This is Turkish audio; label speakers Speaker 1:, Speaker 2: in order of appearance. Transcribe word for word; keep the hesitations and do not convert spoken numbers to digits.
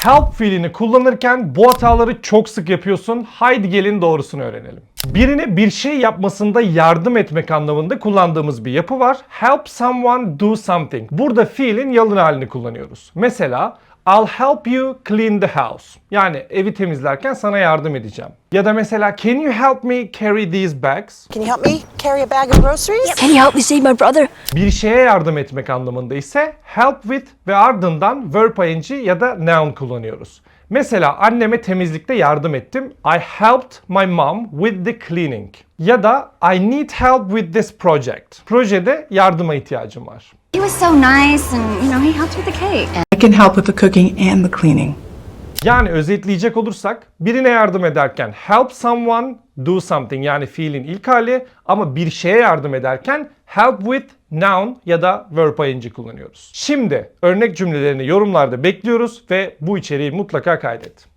Speaker 1: Help fiilini kullanırken bu hataları çok sık yapıyorsun. Haydi gelin doğrusunu öğrenelim. Birine bir şey yapmasında yardım etmek anlamında kullandığımız bir yapı var. Help someone do something. Burada fiilin yalın halini kullanıyoruz. Mesela I'll help you clean the house. Yani evi temizlerken sana yardım edeceğim. Ya da mesela can you help me carry these bags?
Speaker 2: Can you help me carry a bag of groceries?
Speaker 3: Can you help me save my brother?
Speaker 1: Bir şeye yardım etmek anlamında ise help with ve ardından verb ing ya da noun kullanıyoruz. Mesela anneme temizlikte yardım ettim. I helped my mom with the cleaning. Ya da I need help with this project. Projede yardıma ihtiyacım var.
Speaker 4: He was so nice and, you know, he helped with the cake.
Speaker 5: I can help with the cooking and the cleaning.
Speaker 1: Yani özetleyecek olursak birine yardım ederken help someone do something yani fiilin ilk hali ama bir şeye yardım ederken help with noun ya da verb ing kullanıyoruz. Şimdi örnek cümlelerini yorumlarda bekliyoruz ve bu içeriği mutlaka kaydet.